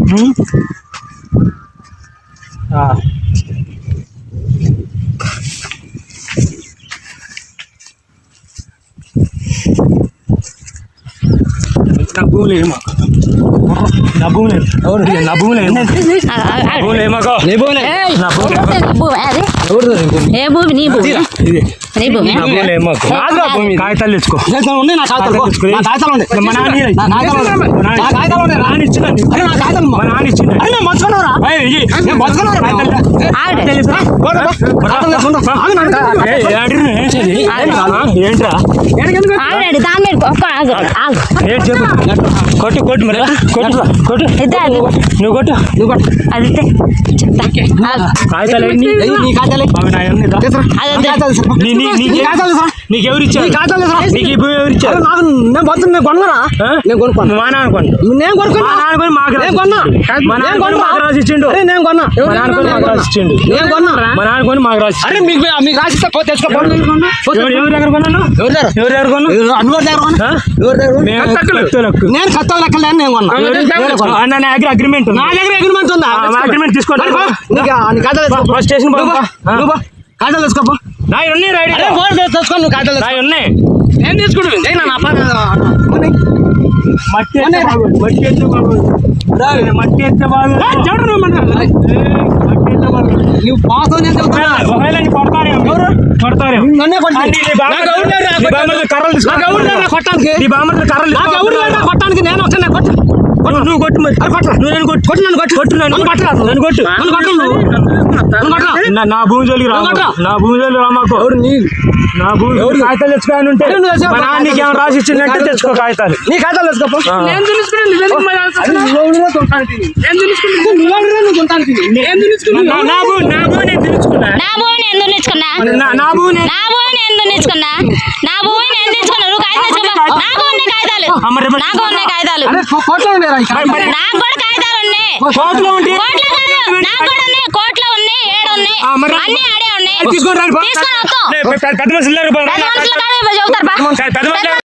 నా భూములు ఏమో నా భూములు ఎవరు నా భూములు ఏమో భూములు ఏమాకో నీ భూములే నా ఏ భూమి నీ భూమి ఇది నీ భూమి నా భూములు ఏమాకో కాగితాలు తెచ్చుకో మా నాన్న ఇచ్చిండు ఏంట్రా కొట్టు కొట్టు మరి కొట్టు కొట్టు నువ్వు కొట్టు అది నీకెవరు ఇచ్చారు నీకు ఈ భూమి ఎవరు ఇచ్చారు నేను బతున్నా కొన్నారా నేను కొనుక్కోను మా నాన్న కొను నేను కొనుక్కున్నా మా నాన్న కొని మాకు రాసిచ్చిండు నేను కొన్నా మా నాన్న కొని మాకు రాసిచ్చిండు నేను కొన్నా మా నాన్న కొని మాకు రాసి అరే మీకు రాసిస్తే తెచ్చుకో ఎవరి దగ్గర కొన్నాను ఎవరి దగ్గర కొన్నా నేను కత్త లెక్కలేను నేను కొన్నా నా దగ్గర అగ్రిమెంట్ నా దగ్గర అగ్రిమెంట్ ఉందా అగ్రిమెంట్ తీసుకోండి స్టేషన్ కాగితాలు తెచ్చుకోపో నా ఉన్నాయి రైడ్ తెచ్చుకో నువ్వు కాగితాలు నా ఉన్నాయి నేను తీసుకుంటా మట్టి ఎత్తే మట్టి ఎత్తే బాగు నువ్వు పాతో కొడతారు కొట్టడానికి నేను వస్తాను నువ్వు కొట్టు మరి నువ్వు నన్ను కొట్టు కొట్టు నన్ను కొట్టు కొట్టు నన్ను కొట్టరాదు నన్ను కొట్టు నా భూమి జోలికి రా నా భూమి జోలికి రామాకు నా భూమి కాగితాలు తెచ్చుకోని ఉంటే మా నాన్న నీకేమైనా రాసి ఇచ్చిందంటే తెచ్చుకో కాగితాలు నీ కాగితాలు తెచ్చుకోపో నా భూమి నేను తెలుసుకున్నా నా భూమి తీసుకొని పెద్ద మనుషులు